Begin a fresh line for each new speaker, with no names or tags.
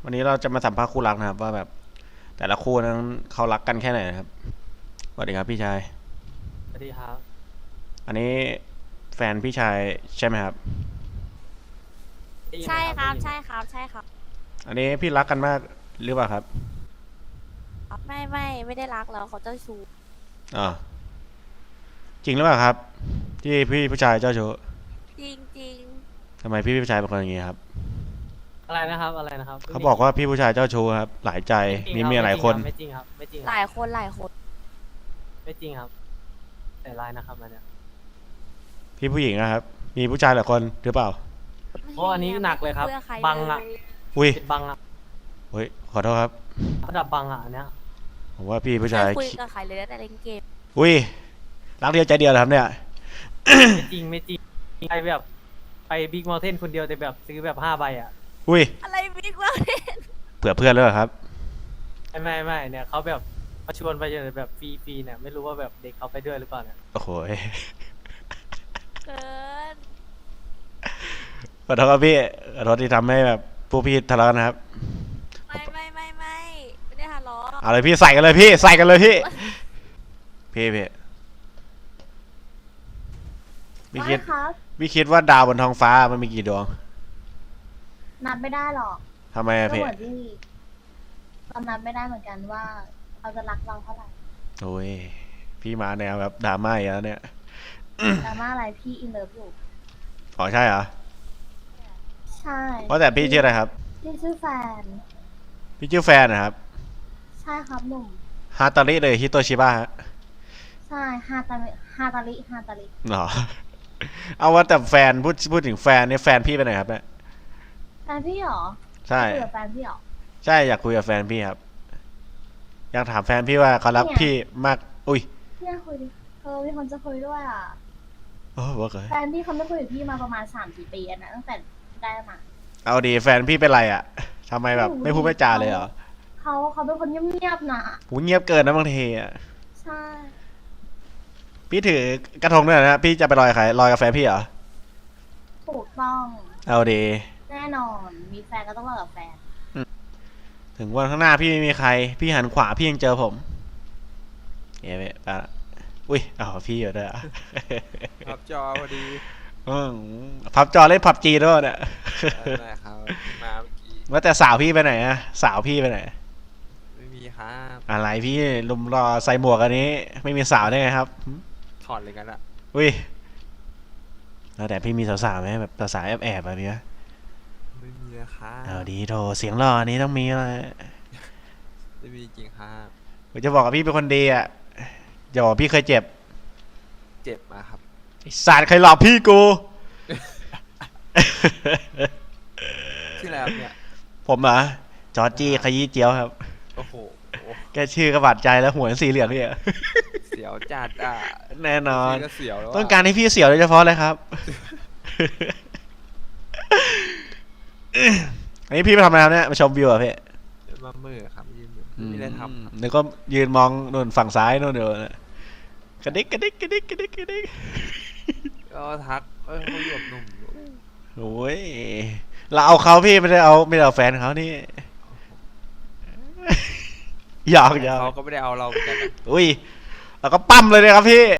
วันนี้เราจะมาสัมภาษณ์คู่รักนะครับว่าแบบแต่ละคู่นั้นเขารักกันแค่ไหนนะครับสวัสดีครับพี่ชาย
สวัสดีครับ
อันนี้แฟนพี่ชายใช่ไหมครับ
ได้ยินไหม
ใช่ครับ
ได้ยินไหม
ใช่ครับใช่ครับ
อันนี้พี่รักกันมากหรือเปล่าครับ
ไม่ได้รักแล้วเขาเจ้าชู้
อ่าจริงหรือเปล่าครับที่พี่ผู้ชายเจ้าชู้
จริงจริง
ทำไมพี่ผู้ชายเป็นคนอย่างนี้ครับ
อะไรนะครับอะไรนะครับ
เขาบอกว่าพี่ผู้ชายเจ้าชู้ครับหลายใจมีเมียหลายคน
ไม่จริงครับไม่จริงค
ห
รับ
ลายคนหลายคน
ไม่จริงครับแต่ลายนะครับอันเนี้ย
พี่ผู้หญิงนะครับมีผู้ชายหลายคนหรือเปล่า
โอ้อันนี้หนักเลยครับ
ไม่ใช่
บังอะ
อุ้ย
ปิดบังอะ
เฮ้ยขอโทษครับ
ระดับบังอะอันเนี้ย
ผมว่าพี่ผู้
ไม่
ชาย
คุยกับใครเลยแต่เล่นเกม
อุ้ยรักเดียวใจเดียวเหรอครับเนี่ย
ไม่จริงไปแบบไปบิ๊กมอลเทนคนเดียวแต่แบบซื้อแบบ5 ใบอะ
อุ้ย
อะไรบิ๊กวะ
เผื่อเพื่อนเลยเหรอครับ
ไม่เนี่ยเขาแบบมาชวนไปแบบฟรีเนี่ยไม่รู้ว่าแบบเด็กเขาไปด้วยหรือเปล่าเนี่ย
โอ้โห
เกิน
ขอโทษครับพี่ขอโทษที่ทำให้แบบพวกพี่ทะเลาะกันนะครับ
ไม่ได้ทะเลาะ
เอาเลยพี่ใส่กันเลยพี่ใส่กันเลยพี่พี่คิด
ครับ
พี่คิดว่าดาวบนท้องฟ้ามันมีกี่ดวง
นับไม่ได้หรอก
ทำไมอะ
ก็
พี่
เหมือนที่เรานับไม่ได้เหมือนกันว่าเขาจะรักเราเท่าไหร่
โอ้ยพี่มาแนวแบบดราม่าอีกแล้วเนี่ย
ดราม่าอะไรพี่อินเลิฟอยู่
อ๋อใช่เหรอ
ใช่
เพราะแต่พี่ชื่ออะไรครับ
พี่ชื่อแฟน
พี่ชื่อแฟนนะครับ
ใช่ครับหนุ่ม
ฮาตาริเลยฮิโตชิบะฮะ
ใช่ฮาตาริ
หรอ เอาว่าแต่แฟนพูดถึงแฟนเนี่ยแฟนพี่ไปไหนครับเนี่ย
แฟนพี่เหรอ
ใช่
คุยกับแฟนพี่เหรอ
ใช่อยากคุยกับแฟนพี่ครับอยากถามแฟนพี่ว่าเขารัก
เนี่ย
พี่มากอุ้ย
พี่คุยดิมีคนจะคุยด้วยอ่ะ
โอ้บอกเลย
แฟนพี่เขาไม่คุยกับพี่มาประมาณ3-4 ปีแล้วนะตั้งแต่ได้มา
เอาดีแฟนพี่เป็นไรอ่ะทำไมแบบไม่พูดไม่จาเลยเหรอ
เขาเป็นคนเงียบๆนะ
หูเงียบเกินนะบางทีอ่ะ
ใช่
พี่ถือกระทงด้วยนะพี่จะไปลอยใครลอยกับแฟนพี่เหรอ
ถูกต้อง
เอาดี
แน่นอนมีแฟนก็ต้องเลิกกับแฟน
ถึงวันข้างหน้าพี่ไม่มีใคร พี่หันขวาพี่ยังเจอผมเอ๊ะไปละอุ้ยเอาพี่อยู่ด้วยอ่ะ
พับจอพอดี
พับจอเล่นพับจีด้วยเนี่ย
ได้ครับมาเมื่อกี้
ว่าแต่สาวพี่ไปไหนอะสาวพี่ไปไหน
ไม่มีครับ
อะไรพี่ลุมรอใส่หมวกอันนี้ ไม่มีสาวได้ไงครับ
ถอดเลยกันอะ
อุ้ยแล้วแต่พี่มีสาวๆไหมแบบสาวๆแอบๆแบบนี้
ไม่มีนะครับ
เอาดีโถเสียงหล่อนี้ต้องมีเลย
ไม่มีจริงครับ
ผมจะบอกกับพี่เป็นคนดีอ่ะจะบอกพี่เคยเจ็บ
เจ็บมาครับ
ไอ้สัตว์ใครหลอกพี่กู
ชื่ออะไรครับเนี่ย
ผมเหรอจอร์จี้ขยี้เจียวครับ
โอ้โห
แกชื่อกระบาดใจแล้วหัวสีเหลืองเนี่ย
เสียวจัดอ่ะ
แน่นอน
ชื่ก็เสียวแล้วะ
ต้องการให้พี่เสียวโดยเฉพาะเลยครับ อันนี้พี่ไปทำอะไรครับเนี่ยมาชมวิวเหรอ่ะพี่
มามือครับยืนอยู่ไม่ได้ทำครับ
นึกก็ยืนมองนู่นฝั่งซ้ายนู่นเดี๋ยวนะกระดิกกระดิกกระดิกกระดิกกระดิก
ก็ทักเขาอยู่กับหนุ่มอยู่
โอ้ยเราเอาเขาพี่ไม่ได้เอาแฟนเขานี่ หยอก
เขาก็ไม่ได้เอาเราเหมือนกันนะ
อุ้ยเราก็ปั้มเลยนะครับพี่